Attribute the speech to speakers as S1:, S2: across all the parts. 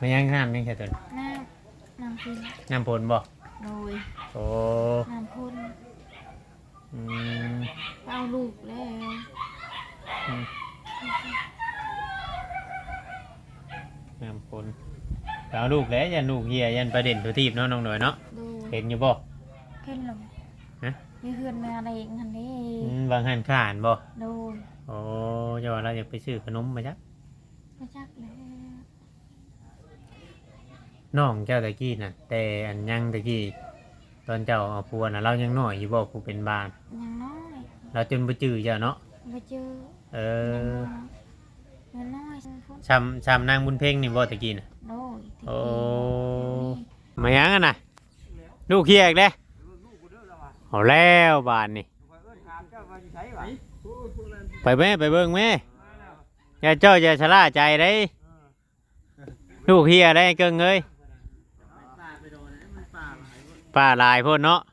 S1: มันยังน้ำยังแค่ตัว
S2: น้ำพิน
S1: น้ำผลบ่
S2: โดย
S1: โอ้
S2: น้ำพ่น
S1: อืม
S2: เอาลูกแล้ว
S1: น้ำผลเอาลูกแล้วยันลูกเฮียยันประเด็นตัวทีบเนาะน้องหน่อยเนาะเห็นอยู่บ่
S2: เห็นหรอ
S1: ฮะ
S2: มีเพื่อนมาอะไรเองทันนี้
S1: วางหันข่านบ่
S2: โดย
S1: โอ้เจ้าว่าเราอยากไปซื้อขนมมาจ้ะ
S2: มาจักแล้ว
S1: น้องเจ้าตะกี้น่ะแต่อันยังตะกี้ตอนเจ้าเอาพัวน่ะเรายังน้อยอยู่บ่ผู้เป็นบ้าน
S2: ยังน้อย
S1: เราจนบ่จื้อเจ้าเนาะ
S2: บ่จื้อยังน้อย
S1: ช้ำนางบุญเพ่งนี่บ่ตะกี้น่ะ
S2: โดย
S1: โอ้มายังอ่ะน่ะลูกเฮียอีกเด้เอาแล้วบ้านนี่ไปแม่ไปเบิ่งแม่อย่าเจ้าอย่าชะล่าใจได้ลูกเฮียได้เกิงเอ้ยป้าลายพ่นเนาะ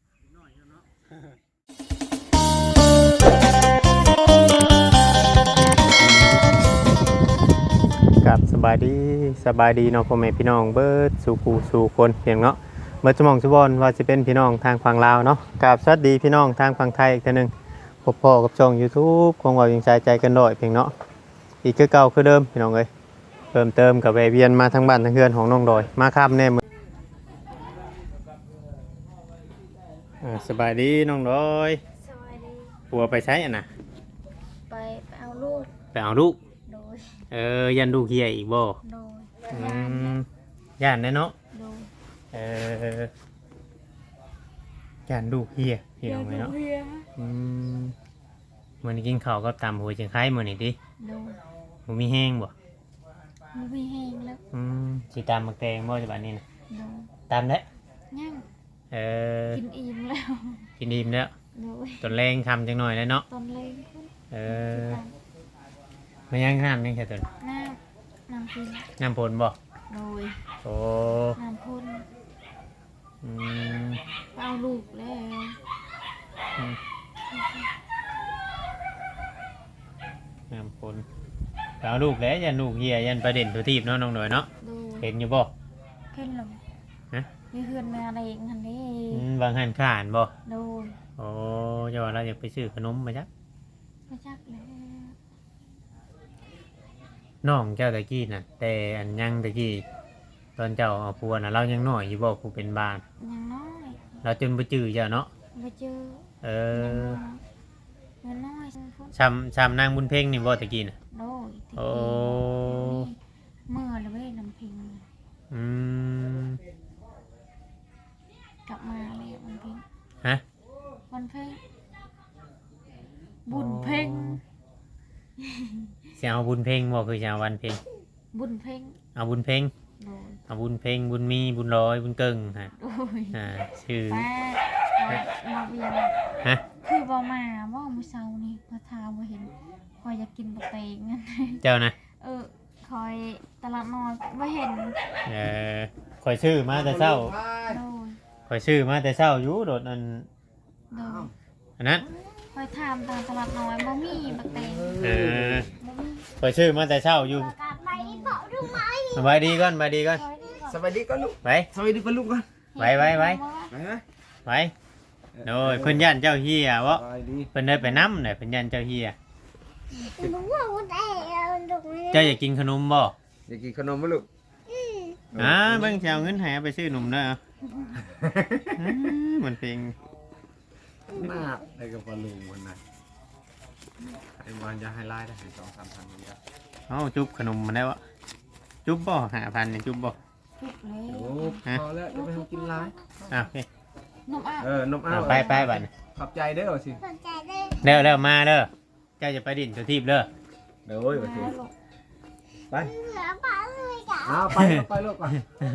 S1: กับสบายดีเนาะพ่อแม่พี่น้องเบิดสู่ผู้สู่คนเพียงเนาะเมื่อสมองสุบอนว่าจะเป็นพี่น้องทางฝั่งลาวเนาะกับสวัสดีพี่น้องทางฝั่งไทยอีกทีนึงพบพ่อกับช่อง YouTube คงว่ายังใจกันด้อยเพียงเนาะอีกคือเก่าคือเดิมพี่น้องเอ้ยเพิ่มเติมกับเวียนมาทั้งบ้านทั้งเฮือนของน้องดอยมาค่ำแน่สบายดีน้องดอย
S2: สบายดี
S1: ปัวไปใช้อ่ะนะ
S2: ไปเอาลูก
S1: โดยยันลูกเฮียอีกบ่
S2: โดย
S1: ย่านแน่เนาะ
S2: โดย
S1: ย่านลูกเฮียพี่น้องเนาะมื้อนี้กินข้าวกับตำหัวจังไข่มื้อนี้ดิ
S2: โดย
S1: บ่มีแห้งบ่
S2: บ่มีแห้งแล้ว
S1: สิตำมักแตงบ่จังบัดนี้นะ
S2: โดย
S1: ตำแล้ว
S2: ยังกินอิ่ม
S1: แล้วตอนแรงคำจังหน่อยแล้วเนาะ
S2: ตอนแรง
S1: มันยังน้ำยังแค่ตัว
S2: น้ำพิน
S1: น้ำผลบ่
S2: โดย
S1: โอ้
S2: น้ำพ่นเอาลูกแล้ว
S1: น้ำผลเอาลูกแล้วยันลูกเฮียยันประเด็นตัวทีบเนาะน้องหน่อยเนาะเห็นอยู่บ่
S2: เห็นหรอมีเพื่อนมาอะไรเองทันนี้
S1: วางหันข่านบ่
S2: โดย
S1: โอ้เจ้าว่าเราอยากไปซื้อขนมมาจ้ะ
S2: มาจักแล้ว
S1: น้องเจ้าตะกี้น่ะแต่อันยังตะกี้ตอนเจ้าเอาพัวน่ะเรายังน้อยอยู่บ่ผู้เป็นบ้าน
S2: ยังน้อย
S1: เราจนบ่จื้อเจ้าเนาะ
S2: บ่จื้อยังน้อย
S1: ช้ำนางบุญเพ่งนี่บ่ตะกี้น่ะ
S2: โดย
S1: โอ้
S2: เมื่อแล้วไม่ได้น้ำพิงกลับมาเลยวันเพ็ญ
S1: ฮะ
S2: วันเพ็ญบุญเพ็ญ
S1: จะเอาบุญเพ่งบ่คือจะเอาวันเพ่ง
S2: บุญเพ็ญ
S1: เอาบุญเพ่งเอาบุญเพ่งบุญมีบุญร้อยบุญเกิงฮะชื่อ
S2: มาเวียน
S1: ฮะ
S2: คือบ่มาว่ามื้อเช้านี่พระทาบ่เห็นคอยอยากกินบะเตงงั้น
S1: เจ้านะ
S2: คอยตลาดน้อยบ่เห็น
S1: คอยชื่อมาแต่เช้าคอยชื่อมาแต่เช้าอยู่โดดอันนั้น
S2: คอยถามตลาดน้อยบ่มีบะเตง
S1: คอยชื่อมาแต่เช้าอยู่สบายดีก่อน
S3: สบายดีก่อนลูก
S1: ไป
S3: สบายดีก่อนลูกก่อน
S1: ไปโอ้ยเพิ่นยันเจ้าเฮียวะเพิ่นได้ไปน้ำเนี่ยเพิ่นยันเจ้าเฮียเจ้าอยากกินขนมบ่
S3: อยากกินขนมไหมลูก
S1: เบิ่งจะเอาเงินให้ไปซื้อนมเด้อมันเป็น
S3: หน้าไอ้กับปลาลูมันน่ะไอ้วันจะให้ไล่ได้ให้2-3 พันมันจะ
S1: จุ๊บขนมมันได้วะจุ๊บบ่5,000เนี่ยจุ๊บบ่
S3: พอแล้วจะไปทำกินไล่
S1: โอเคน
S2: มอ้าว
S1: ไปบัด
S3: ขอบใจเด้อสิ
S1: เร็วมาเด้อเจ้าจะไปดินตัวทีบเด้อ
S3: เดี๋ยวไปสิไปไปลูกก่อน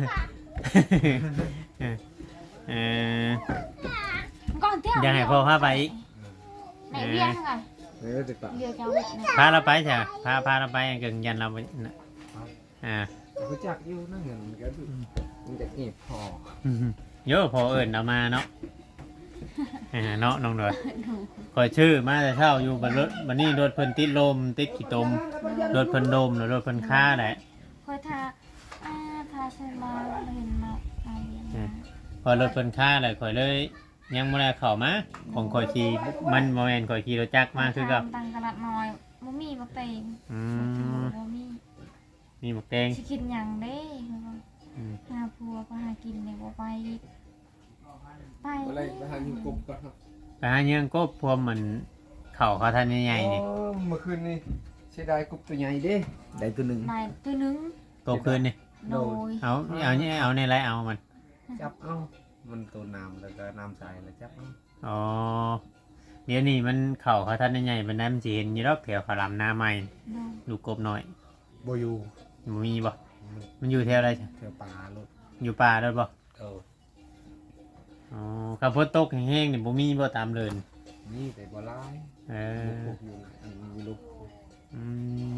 S1: อย่าให้พ่อพาไปอีก
S2: ไหนเบี้ยค่ะ
S1: พาเราไปใช่พาเราไปเกินยันเราไป
S3: รู้จักอยู่นั่งเงินกันมันจะเก็บพอ
S1: เยอะพอเอิญเรามาเนาะเนาะน้องดอยคอยชื่อมาแต่เช้าอยู่บนรถวันนี้รถเพิ่นติดลมติดขี้ตมรถเพิ่นดมหรือรถเพิ่นค่าแหละ
S2: คอยทาทาใช่มาเห็นมาเอาเรียนมา
S1: พอรถเพิ่นค่าเลยข่อยเลยยังบ่ได้เข้ามาของข่อยขี่มันบ่แม่นข่อยขี่รถจักรมาคือกับ
S2: ตังตลาดน้อยบ่มีบ่เต็ง
S1: อืม
S2: บ่มี
S1: มีหมกแดง
S2: สิกินหยังเด้คือว่า
S1: อืม
S2: หาผัวก็หากินเนี่ยบ่ไปอีกไป
S3: อะไรไปหาอยู่กบก่อนครับ
S1: ไปหาเยื่องกบพวมมันเข้าเขาทันใหญ่ๆนี่
S3: อ๋อเมื่อคืนนี่เสียดายกบตัวใหญ่เด้ได้ตัวหนึ่ง
S2: นายตัวหนึง
S1: กบคืนนี่
S2: โดย
S1: เอาในไรเอามัน
S3: จับเอามันตัวน้ำแล้วก็น้ำใสแล้วจับเอา
S1: อ๋อเดี๋ยวนี้มันเข้าเขาทันใหญ่ๆมันนั้นมันสิเห็นอยู่ดอกแถวขาวหลามหน้าใหม่
S2: โดย
S1: ลูกกบน้อย
S3: บอยู่
S1: บ่มีบ่มันอยู่แถวอะไรจ้ะ
S3: เที่ยวป่าลูก
S1: อยู่ป่าด้วยบ่
S3: เออ
S1: อ๋อขับฝนตกแห้งๆนี่บ่มีบ่ตามเดิน
S3: นี่แต่บ่ร้าย
S1: เออ
S3: ลูกอยู่ไหนอันนี้ลูก
S1: อืม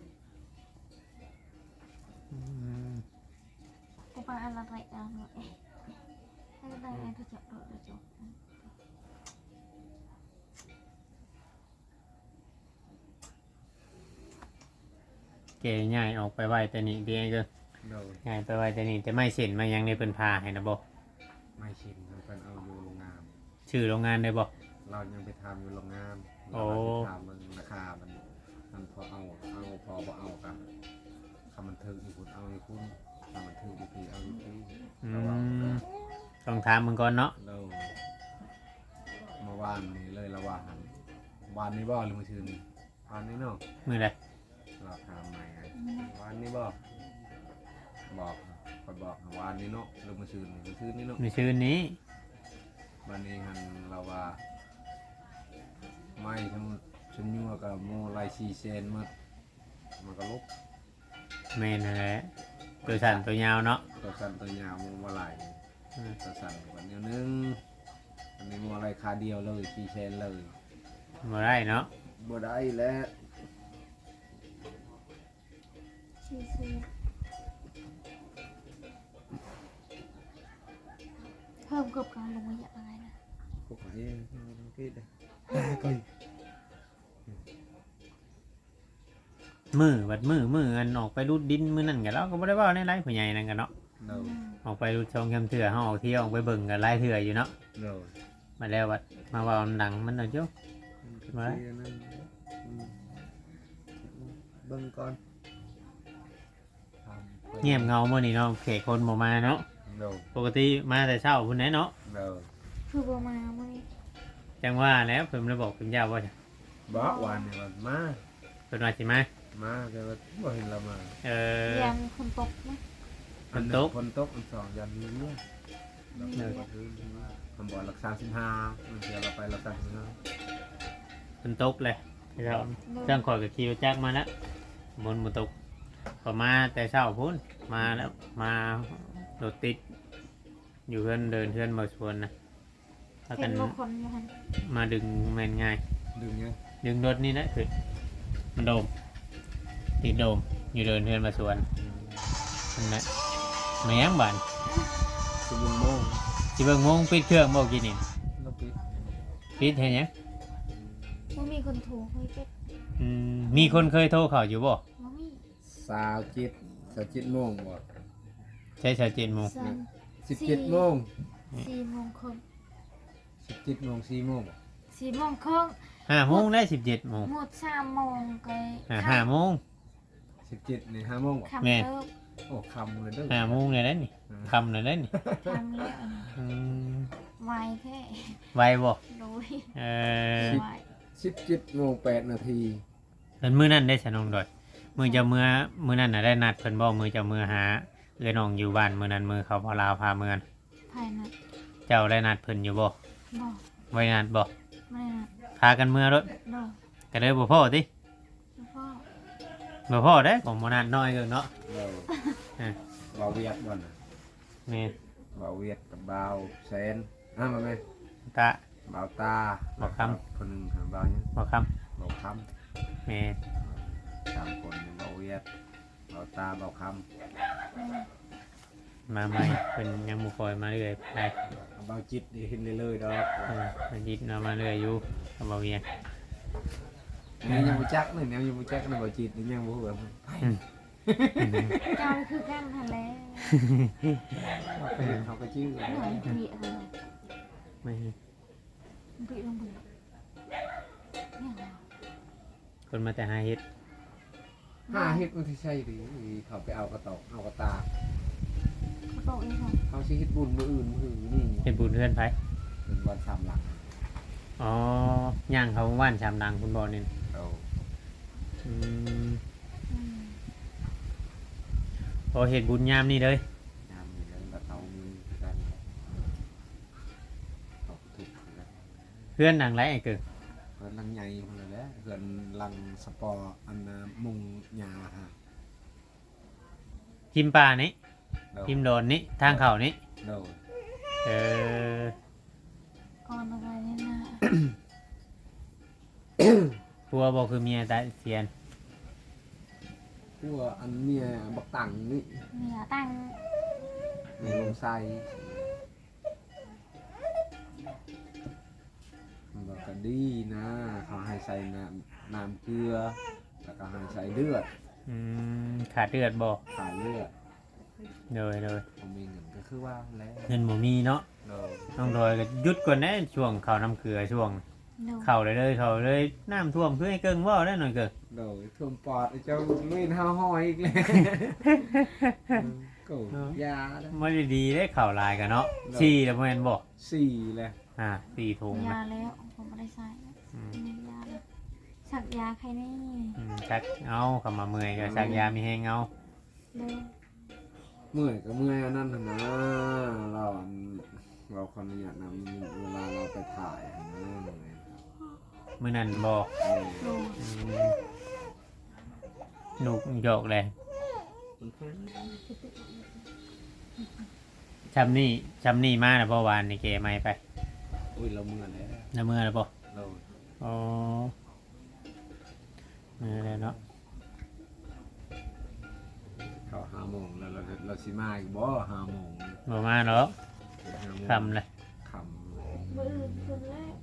S1: อืม
S2: กูไปอะไรเอาหน่อยให้ได้ไอ้ที่จะโดดจบ
S1: เก๋ง่ายออกไปไว้แต่นี่เดียวก็
S3: โดย
S1: ง่ายไปไว้แต่นี่แต่ไม่เส้นมายังในเพิ่นพาให้นะบ่
S3: ไม่ชินมันเป็นเอาอยู่โรงงาน
S1: ชื่อโรงงานได้บ่
S3: เรายังไปทำอยู่โรงงาน
S1: โอ้
S3: เราไปทำมันราคามันพอเอาพอบ่เอากันคำมันถึงอีกคุณเอาอีกคุณคำมันถึงอีกทีเอาอีกที
S1: อืมต้องถามมึงก่อนเนาะ
S3: เราเมื่อวานนี้เลยละวานนี้บ่หรือเมื่อคืนนี้วานนี้เนาะ
S1: มื้อใด
S3: เราทำใหม่ไงวานนี้บ่บอกคอยบอกวานนี้เนาะหรือเมื่อคืนนี้เมื่อคืนนี้เนาะ
S1: มื้อชื่นนี้
S3: วันนี้หันเราว่าไม่ทั้งชุนยัวกับโมไลซีเซนมันก็ลุก
S1: แม่นนั่นแหละตัวสั้นตัวยาวเนาะ
S3: ตัวสันตัวยาวโมมาไหล
S1: อืม
S3: ตัวสันกว่าเดียวนึงอันนี้โมอะไรคาเดียวเลยซีเซนเลย
S1: บ่ได้เนาะ
S3: บ่ได้แล้ว
S2: ชื่อเพิ่มกับการลงมาอย่างไรนะ
S3: พวกนี้คิดเลยก็
S1: บัดมืออันออกไปรูดดินมื้อนั้นก็เราก็บ่ได้เว้าในไลฟ์ผู้ใหญ่นั่นกันเนาะ
S3: เรา
S1: ออกไปรูดช่องแคมเถื่อเฮาออกเที่ยวออกไปเบิ่งกันหลายเถื่ออยู่เนาะ
S3: เรา
S1: มาแล้วบัดมาเว้าดังมันเอาจุ
S3: เบิ่งก่อน
S1: เงียบเงามื้อนี้เนาะเขตคนบ่มาเนาะ
S3: เรา
S1: ปกติมาแต่เช้าพุ่นแหละเนาะ
S3: เรา
S2: คือบ่มาเมื่อ
S1: จังว่าแล้วเพิ่นเลยบอกเพิ่นยาวว่าจะ
S3: บอกวันนี้วันมา
S1: เพิ่นว่าสิมา
S3: แต่ว่าบ่เห็นเรามา
S1: เออ
S2: เรียนคนตกไหม
S1: ฝนตก
S3: คนตกอันสองยันนี้เนี่ยมันบอกรักษา15มันเสียเราไปรักษา15
S1: เพิ่นตกเลยเราเรื่องข่อยก็ขี่รถจักรมาแล้วบนบ่ตกก็มาแต่เช้าพุ่นมาแล้วมารถติด อยู่เพื่อนเดินเพื่อนมาชวนนะถ้ากั
S2: เห็
S1: น
S2: นบางคนอยู่หัน
S1: มาดึงแมนง่าย
S3: ดึงเงี้ย
S1: ดึงรถนี่นะคือมันโดมติดโดมอยู่เดินเพื่อนมาชวนนั่นแหละแม่งบาน
S3: คือบุญโมง
S1: สิเบิ่งโมงปิดเครื่องบอกกินนี่
S3: แล้วปิด
S1: ปิดเห็นยัง
S2: ว่ามีคนถูกเฮ้ยเป็ด
S1: มีคนเคยโทรเขาอยู่บ่
S2: ว่ามี
S3: 27โมงบ่
S1: ใช่7 โมง
S2: สาม
S3: 17โมง
S2: 4 โมงครึ่ง
S3: 17โมง4โมงบ่
S2: 4 โมงครึ่ง
S1: 5 โมงได้17 โมง
S2: หมด3 โมงก็
S1: 5 โมง
S3: 17นี่5โมงบ่
S2: คำ
S1: แม่
S2: เลิก
S3: โอ้คำเลยเด้อ
S1: 5 โมงเลยได้นี่คำเลยได้นี่
S2: ทำแล้ว
S1: อืม
S2: ไวแท้
S1: ไวบ่
S2: โดย
S1: เออ
S2: ไว
S3: 17โมง8นาที
S1: เป็นมื้อนั้นได้สนองดอยมื้อจะมื้อนั้นน่ะได้นัดเพิ่นบ่มื้อจะมื้อหาเอื้อน้องอยู่บ้านมื้อนั้นมื้อเขาพาลาวพาเมือง
S2: ภายใน
S1: เจ้าได้นัดเพิ่นอยู่บ่
S2: บ่
S1: ไว้นัดบ่
S2: ไม่นะ
S1: พากันเมื่อรถ
S2: บ่
S1: ก็เลยบ่พอติ
S2: พ่อ
S1: บ่พอเด้ของบ่นัดน้อยเกินเนาะ
S3: เรา
S1: เออ
S3: เบาเวียดบ่น่ะ
S1: แม่น
S3: เบาเวียดกับเบาแสนมาแม่
S1: ตา
S3: เบาตา
S1: เบาคำ
S3: คนหนึงเบาหยัง
S1: บ่คำ
S3: เบาค
S1: แม่น
S3: ำ3คนเบาเวียดเบาตาเบาค
S1: มาใหม่เพิ่นยังบ่ค่อยมาเรื่อยไป
S3: ำเบาจิตนี่เห็นเลยๆดอก
S1: เพิ่นยิดมาเรื่อยอยู่ก็บ่เวียน
S3: เนี่ยยังบ่จักนี่เนี่ยยังบ่จักนี่เบาจิตนี่ยังบ่ฮู้ว่า
S2: เจ้าคือกันหั่นแหละ
S3: เขาก็ชื่อ
S2: หน่อยเบียอะไร
S1: ไม่
S2: เบียลงเบียเนี่ยเหรอ
S1: คนมาแต่หาเฮ็ด
S3: หาเฮ็ดมันที่ใช่ดิเขาไปเอากระตอกเอากระตาก
S2: เขาโตเองค่ะ
S3: เขาสิเฮ็ดบุญมื้ออื่นมื้อนี่
S1: เฮ็ดบุญเพื่อนไผ
S3: เป็นวันสามหลัก
S1: อ๋อย่างเขาว่านชามดังคุณบ่นี่
S3: เอา
S1: อืม
S2: อืม
S1: พอเฮ็ดบุญยามนี่เลย
S3: ยามนี้แล้วก็เอามือกันเขาก็ถูกกัน
S1: เพื่อนดังไรไอ้เกิง
S3: เพิ่นลังใหญ่พุ่นเลยแหละเพิ่นลังสปอร์อันน่ะมุงหญ้าฮะ
S1: พิมพ์ป่านี่
S3: เดา
S1: พิมพ์โดนนี่ทางเขานี่
S3: เดา
S1: เออ
S2: ก่อนอะไรเนี่ยนะ
S1: ผัวบ่คือเมียตายเสียน
S3: พวกอันเมียบักตังนี่
S2: เนี่ยตั้ง
S3: ในลงไส้มันบอกก็ดีนะ เขาให้ใส่น้ำเกลือ แล้วก็ให้ใส่เลือด
S1: อืมขาดเลือดบ่
S3: ขาดเลือด
S1: เลย
S3: ผมมีเงินก็คือว่าแล้ว
S1: เงินบ่มีเนาะ
S3: เรา
S1: น้องดอยก็หยุดก่อนนะช่วงเข้าน้ำเกลือช่วง
S2: เนาะ
S1: เข้าเลยเข้าเลยน้ำท่วมคือให้เกิงว่าได้หน่อยเกิง
S3: เราท่วมปอดไอ้เจ้าลุยห้าห้อยอีกเลยก็ยาแล้ว
S1: ไม่ได้ดีได้ข่าวลายกันเนาะ
S3: เนาะ
S1: ชี้แล้วแม่นบอก
S3: สี่เลย
S1: 4 ถุง
S2: ยา
S1: นะ
S2: แล้วผมไม่ได้ใส่
S1: อืม
S2: ไม่ยาแล้วสักยาใครนี่
S1: ชักเอาเข้ามาเมื่อยก็ชักยามีแห้งเอา
S2: เร็ว
S3: เมื่อยก็เมื่อยอันนั้นน่ะนะเราคนนี้อยากนำเวลาเราไปถ่ายนะเหนื่อย
S1: มื้อนั้นบอก
S2: โล
S1: หนุกโยกเลยชำนี่มาแล้วบ่วานนี่เกไม่ไป
S3: อุ้ยเราเมื่อยแล้ว
S1: น้ำเมื่อแล้วบ่
S3: เรา
S1: อ๋อเมื่อแล้วเนาะ
S3: เขา5 โมงแล้วเราสิมาอีกบ่5 โมง
S1: บ่มาเนาะ
S3: 5 โมง
S1: คำเลย
S3: คำ
S2: มืออื่นคนแรก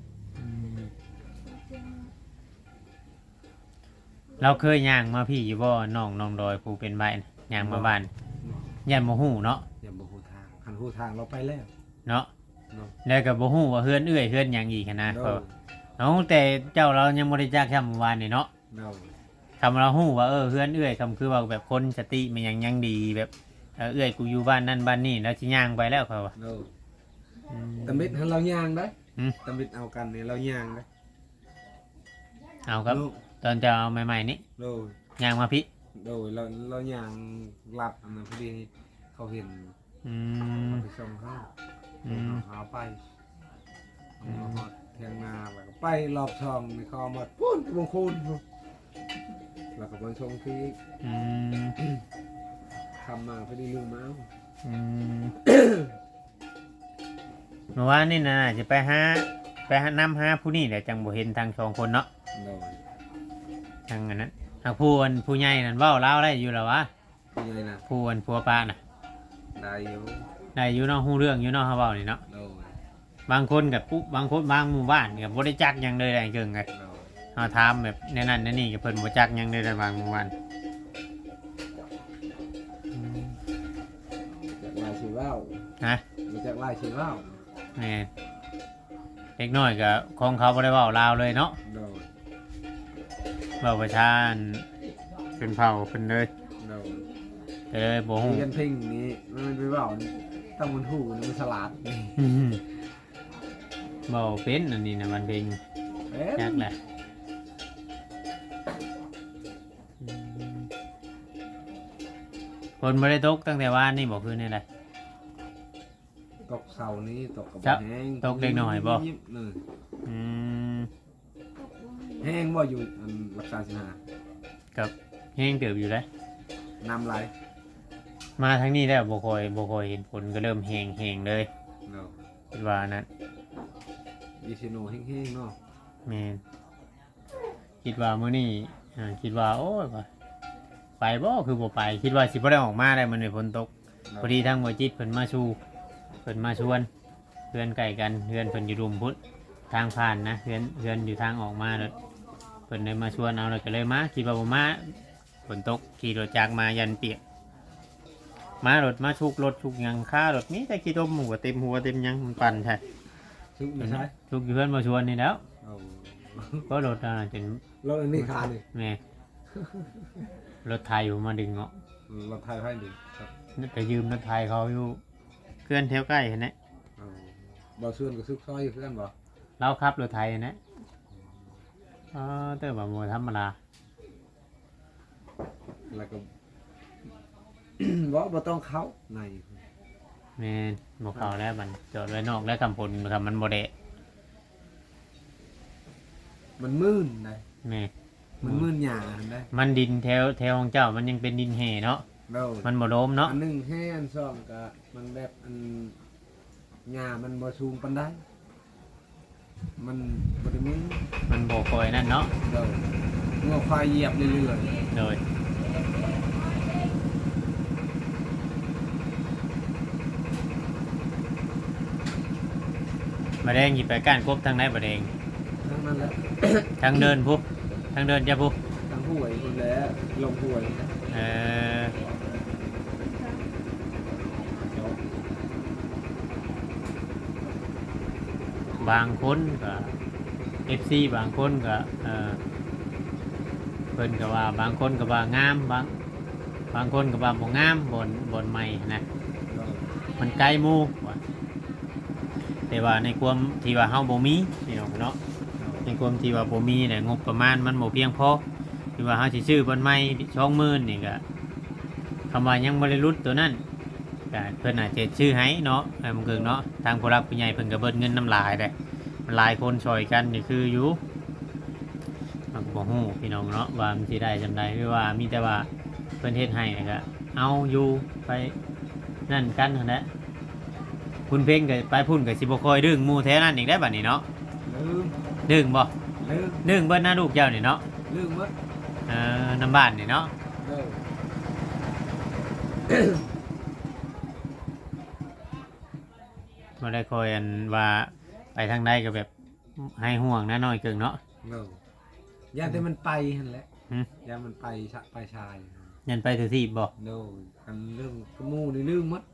S1: เราเคยย่างมาพี่อยู่บ่น้องดอยผู้เป็นใบน่ะย่างมาบ้านยันบ่ฮู้เนาะ
S3: อย่าบ่ฮู้ทางคันฮู้ทางเราไปแล้ว
S1: เนาะ
S3: เนาะ
S1: แล้วก็บ่ฮู้ว่าเฮือนเอื้อยเฮือนหยังอีกหั้นนะ
S3: เรา
S1: เพราะเอาแต่เจ้าเรายังบ่ได้จักช่ำเมื่อวานนี่เนาะ
S3: เรา
S1: คำเราฮู้ว่าเฮือนเอื้อยคำคือว่าแบบคนสติมันยังดีแบบเอื้อยกูอยู่บ้านนั่นบ้านนี่แล้วสิย่างไปแล้วเขาว่า
S3: เรา
S1: อืม
S3: ตำบิดให้เราย่างได้
S1: อืม
S3: ตำบิดเอากันนี่เราย่างได้
S1: เอาครับ
S3: ลูก
S1: ตอนจะเอาใหม่ๆนี่
S3: โดย
S1: ย่างมาพี่
S3: โดยเราย่างหลับอันนั้นพอดีเขาเห็น
S1: อืม
S3: เขาไปส่งเขา
S1: อืม
S3: หาไปเอามาฮอดเทียงนาแล้วก็ไปรอบช่องนี่เขาเอามาปุ้นบางคนแล้วก็มาส่งที่
S1: อืม
S3: ทำมาพอดีลืมมาเอา
S1: อืมเมื่อวานนี่นะจะไปหานำหาผู้นี่แหละจังบ่เห็นทางสองคนเนาะ
S3: โดย
S1: ทางอันนั้นทางผู้ใหญ่นั่นเว้าลาวได้อยู่แล้ววะ
S3: เป็นไงนะ
S1: ผัวป้าน่ะ
S3: ได้อยู่
S1: ได้อยู่เนาะฮู้เรื่องอยู่เนาะเฮาเว้านี่เนาะ
S3: โดย
S1: บางคนกับปุ๊บบางคนบางหมู่บ้านกับบริจักหยังเลยได้เกิงไง
S3: โดย
S1: เขาถามแบบในนั้นในนี่กับเพิ่นบริจักหยังเลยได้บางหมู่บ้าน
S3: จากลายชีว่าว
S1: นะ
S3: มาจากลายชีว่าว
S1: แม่นเล็กน้อยกับของเขาบ่ได้เว้าลาวเลยเนาะ
S3: โดย
S1: เว้าประชาอันเป็นเผ่าเพิ่นเลย
S3: โดย
S1: ก็เลยบ่ฮู้
S3: เรียนเพลงนี้มันไปว่าวตั้งมันหูนี่มันฉลาดนี่
S1: เว้าเป็นอันนี้นะมันเพลง
S3: เอ๊ะ
S1: ยากแหละฝนบ่ได้ตกตั้งแต่วานนี่บ่คืนนี่แหละ
S3: ตกเสานี้ตกกับ
S1: ครับ
S3: แห้ง
S1: ตกเล็กน้อยบ่
S3: ยิบๆนี่
S1: อืม
S3: แห้งบ่อยู่อันรักษาสินหา
S1: กับแห้งเติบอยู่แล้ว
S3: น้ำไหล
S1: มาทางนี้แล้วบ่ค่อยเห็นฝนก็เริ่มแห้งเลย
S3: เนาะ
S1: คิดว่านั้น
S3: ยีชิโนแห้งๆเนาะ
S1: แม่นคิดว่ามื้อนี้คิดว่าโอ้ยว่าไปบ่คือบ่ไป คิดว่าสิบ่ได้ออกมาได้มื้อนี้ฝนตกพอดีทางบ่จิตเพิ่นมาชูเพิ่นมาชวนเพื่อนใกล้กันเพื่อนเพิ่นอยู่รุมพุทธทางผ่านนะเพื่อนอยู่ทางออกมาแล้วเพิ่นเลยมาชวนเอาเลยก็เลยมาคิดว่าบ่มาฝนตกขี่รถจักรมายันเปียกมารถมาชุกรถชุกหยังค่ารถมีแต่ขี้ต้มหัวเต็มหัวเต็มหยังมันปั่นใช่
S3: ชุกไม่ใช่
S1: ชุกอยู่เพื่อนมาชวนนี่แล้ว
S3: เอา
S1: ก็รถจน
S3: รถอันนี้ขานี่
S1: แม่รถไทยอยู่มาดึงเนาะ
S3: รถไทยให้ดิครับ
S1: ไปยืมรถไทยเขาอยู่เพื่อนแถวใกล้เห็นไหม
S3: เอาบ่ส่วนก็ซึกซอยอยู่คือกันบ่
S1: เราขับรถไทยเห็นไหมเติมแบบโมธรรมดา
S3: แล้วก็ บ่ต้องเข้าใน
S1: แม่นบ่เข้าแล้วมันจอดไว้นอกแล้วคำพลคำมันบ่เดะ
S3: มันมื่นได้
S1: แม่
S3: มันมื่นหยาได้
S1: มันดินแถวของเจ้ามันยังเป็นดินแห่เนาะ
S3: แล้ว
S1: มันบ่โดมเนาะ
S3: อันหนึ่งให้อันสองก็มันแบบอันหญ้ามันบ่สูงปานใดมันบ่ได้มี
S1: มันบ่คอยนั่นเนาะ
S3: เด้องัวควายเหยียบเรื่อย
S1: โดยบะแดงหยิบไปก้านครบทางไหนบะแดง
S3: ๆทั้งนั้นแหละ
S1: ทางเดินพุทางเดินจะพุ
S3: ทั้งห้วยคนแล้วลงห้วย
S1: เออ บางคนก็ FC บางคนก็เพิ่นก็ว่าบางคนก็ว่างามบางคนก็ว่าบ่งามบนใหม่นะมันไกลหมู่ว่าแต่ว่าในความที่ว่าเฮาบ่มีพี่น้องเนาะในความที่ว่าบ่มีเนี่ยงบประมาณมันบ่เพียงพอที่ว่าเฮาสิซื้อบนใหม่20,000นี่ก็คำว่ายังบ่ได้รุดตัวนั้นก็เพิ่นอาจจะชื่อให้เนาะให้มันเกิงเนาะทางผู้รักผู้ใหญ่เพิ่นก็เบิดเงินน้ำลายได้มันหลายคนช่วยกันนี่คืออยู่มันก็บ่ฮู้พี่น้องเนาะว่ามันสิได้จำาใดหรือว่ามีแต่ว่าเพิ่นเฮ็ดให้นี่ก็เอาอยู่ไปนั่นกันนั่นแหละคุณเพ่งก็ไปพุ่นก็สิบ่ค่อยดึงหมู่แท้นั้นอีกได้บัดนี้เนาะ
S3: ลืม
S1: ดึงบ่
S3: ลืม
S1: ดึงเบิดหน้าลูกเจ้านี่เนาะ
S3: ลืมหมด
S1: น้ำบ้านนี่เนาะ
S3: เด้อ
S1: บ่ได้คอยอันว่าไปทางใดก็แบบให้ห่วงนะน้อยเกิงเนาะ
S3: เด้อย่าแต่มันไปหั่นแหละ
S1: หึ
S3: อย่ามันไปไปชาย
S1: ยันไปถือที่บ่
S3: เด้ออันเรื่องกระมูนี่ลืมหมด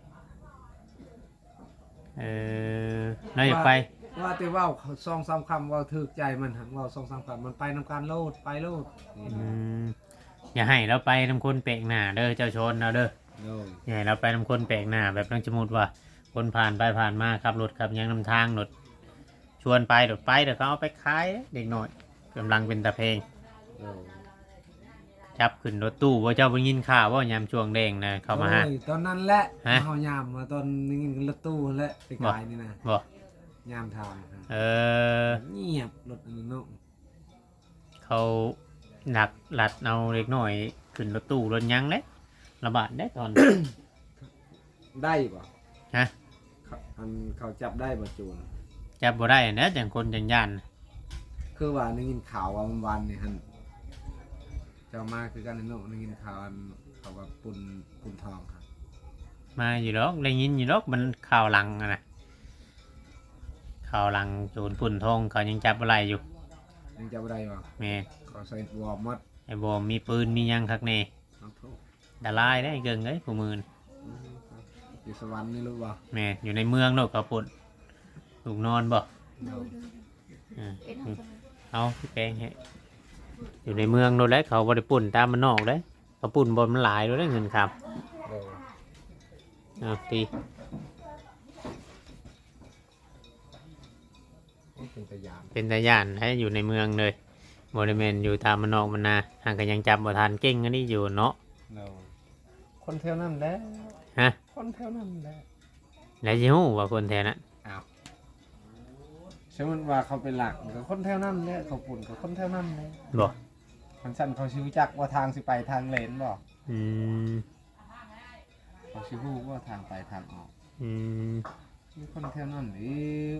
S1: เราอยากไป
S3: ว่าแต่เว้า2-3คำเว้าถูกใจมันหันเว้า2-3คำมันไปนำการโลดไปโลดนี่
S1: อย่าให้เราไปนำคนแปลกหน้าเด้อเจ้าชนเราเด้อ
S3: เด้อ
S1: อย่าให้เราไปนำคนแปลกหน้าแบบต้องสมมุติว่า คนผ่านไปผ่านมาขับรถขับหยังนำทางรถชวนไปรถไปเดี๋ยวเขาเอาไปขายเด็กหน่อยกำลังเป็นตะเพลง
S3: เด้อ
S1: จับขึ้นรถตู้ว่าเจ้าไปยินข่าวว่ายามช่วงแดงนะเข้ามาฮะ
S3: โอ้ยตอนนั้นแหละ
S1: ฮะ
S3: เฮายามมาตอนนี้รถตู้นั่นแหละไปกายนี่นะ
S1: บ่
S3: ยามทางครับ
S1: เออ
S3: เงียบรถอันนั้นเนาะ
S1: เขาหนักหลัดเอาเล็กหน่อยขึ้นรถตู้รถหยังเลยระบาดได้ตอน
S3: ได้ป่ะ
S1: ฮะ
S3: อันเขาจับได้ป่ะจูน
S1: จับบ่ได้นะจังคนจังย่าน
S3: คือว่าได้ยินข่าวว่าวันนี่ฮันเจ้ามาคือกันเนาะได้ยินข่าวอันเขาว่าปุ่นทองครับ
S1: มาอยู่หรอกได้ยินอยู่หรอกมันข่าวหลังอะนะข่าวหลังโจรปุ่นทองเขายังจับอะไรอยู่
S3: ยังจับได้ป่ะ
S1: แม่
S3: เขาใส่วอร์มมัด
S1: ไอ้บอมมีปืนมีหยังคักแน่
S3: น้องโทษ
S1: ดาลายได้เกิงเอ้ยผู้มือน
S3: อยู่สวรรค์นี่รู้ป่ะ
S1: แม่อยู่ในเมืองเนาะเขาปุ่นลูกนอนบ่
S2: ดู
S1: อ่า
S2: เป็นของ
S1: เอาพี่แปลงให้อยู่ในเมืองโดนแล้วเขาบ่ได้ปุ่นตามมันนอกเลยเขาปุ่นบนมันหลายโดนได้เงินครับ
S3: เออ
S1: เอาตี
S3: เป็นตะยาน
S1: เป็นตาย่านให้อยู่ในเมืองเลยบริเวณอยู่ตามมันนอกมันนาห่างกันยังจับบ่ทันเก่งอันนี้อยู่เนาะ
S3: เราคนแถวนั้นแหละ
S1: ฮะ
S3: คนแถวนั้นแหละ
S1: แล้วสิฮู้ว่าคนแถวนั้น
S3: อ้าวใช่มันว่าเขาเป็นหลักกับคนแถวนั้นแหละเขาปุ่นกับคนแถวนั้นแหละ
S1: บ่
S3: มันสั่นเขาชิวจักว่าทางสิไปทางเลนบ่
S1: อืม
S3: เขาชิวว่าทางไปทางออก
S1: อืม
S3: มีคนแถวนั้นอีก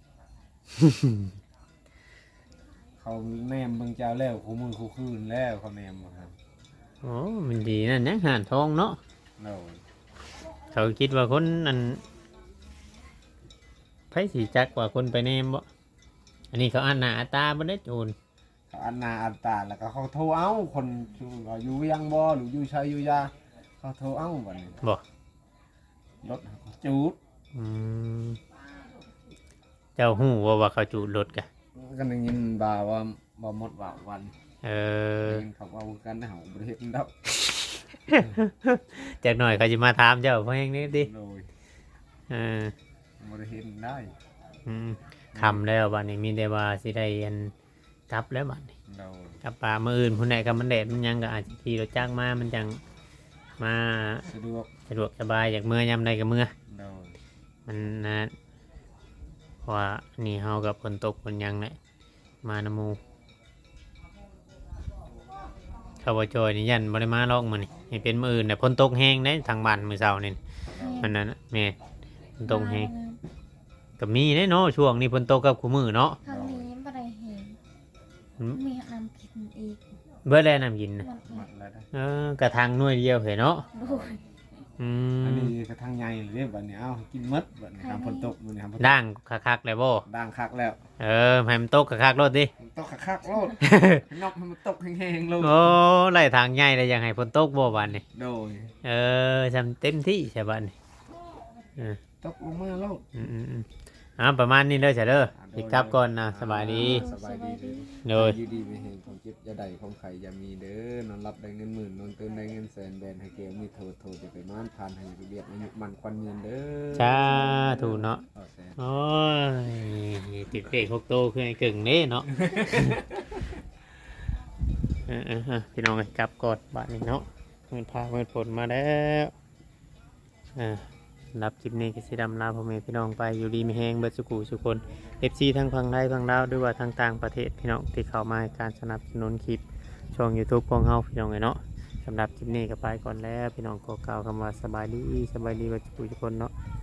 S3: เขาแนมเบิ่งเจ้าแล้วคู่มือคู่คืนแล้วเขาแนมบ่ครับ
S1: โอ้มันดีนั่นนะห่านทองเนาะ
S3: เรา
S1: เขาคิดว่าคนอันไผสิจักกว่าคนไปแนมบ่อันนี้เขาอ่านหน้าอ่านตาบ่ได้โจร
S3: เขาอันนาอันตาแล้วก็เขาโทรเอาคนอยู่ยังบ่หรืออยู่ชัยอยู่ยาเขาโทรเอ้าบัดนี้
S1: บ่
S3: รถเขาจูด
S1: อืมเจ้าฮู้ว่าเขาจูดรถกะ
S3: ก็ได้ยินบ่าว่าบ่หมดว่าวัน
S1: เออ
S3: ได้ยินเขาว่ากันนะเฮาบ่ได้เฮ็ดดอก
S1: จากหน่อยเขาจะมาถามเจ้าเพราะอย่างนี้ดิ
S3: โดย
S1: เออ
S3: บ่ได้เฮ็ดได้
S1: อืมคำแล้วบัดนี้มีแต่ว่าสิได้อันกลับแล้วบัดนี้
S3: โดย
S1: กลับป่ามื้ออื่นผู้ใดก็มันแดดมันยังก็อาจจะขี่รถจักรมามันจังมา
S3: สะดวก
S1: สะดวกสบายอยากเมื่อยามใดก็เมื่อ
S3: โดย
S1: มันนะเพราะว่านี่เฮากับฝนตกฝนหยังแหละมานำหมู่เขาบ่จอยนี่ยันบ่ได้มาลอกมื้อนี่ให้เป็นมื้ออื่นน่ะฝนตกแฮงเด้ทางบ้านมื้อเช้านี่มันนั่นน่ะแม่ฝนตกแฮงก็มีเด้เนาะช่วงนี้ฝนตกกับคู่มื้อเนาะ
S2: ทางนี้บ่ได้เห็น
S1: อืม
S2: มีน้ำกินอีก
S1: เบิดแล้วน้ำกินน่ะ
S2: มัน
S3: หมดแล้วได้
S1: กระทางหน่วยเดียวเหรอเนาะ
S2: โดย
S1: อื
S3: อัน
S1: ม
S3: นี้กระทั่งใหญ่เลยบัดนี้เอ้ากินหมดบัดนี้ทำฝนตกมื้อนี้ทำฝนตก
S1: ด่างคักๆเลยบ่
S3: ด่างคักแล้ว
S1: ให้มันตกคักๆรถดิ
S3: มันตกคักๆโลด นอกให้มันตกแห้งๆโลด
S1: โอ้ไล่ทางใหญ่เลยยังให้ฝนตกบ่บัดนี่
S3: โดย
S1: ทำเต็มที่ใช่บัดนี่
S3: ตกลงมาโลด
S1: อืมประมาณนี้เด้อจ้ะเด้อสิกลับก่อนนะสบายดี
S3: สบายดีเด้อ
S1: โดย
S3: อยู่ดีไม่เห็นของเจ็บจะได้ของไข่อย่ามีเด้อนอนรับได้เงินหมื่นนอนตื่นได้เงินแสนแบนให้เกลมีโทษจะไปม่านผ่านให้เรียบอายุมันควันเงินเด้อ
S1: จ้าถูกเนาะ
S3: เอาแสน
S1: โอ้ยติดเบรกหกโตคือไอ้กึ่งนี่เนาะ พี่น้องกลับก่อนบัดนี้เนาะเงินพาเงินผลมาแล้วรับคลิปนี้ก็สิดำลาพ่อแม่พี่น้องไปอยู่ดีมีแหงเบิดสุขุสุคน FC ทั้งฝั่งไทยฝั่งลาวด้วยว่าทางต่างประเทศพี่น้องที่เข้ามาให้การสนับสนุนคลิปช่อง YouTube ของเฮาพี่น้องเนาะสำหรับคลิปนี้ก็ไปก่อนแล้วพี่น้องขอกล่าวคำว่าสบายดีเบิดสุขุสุคนเนาะ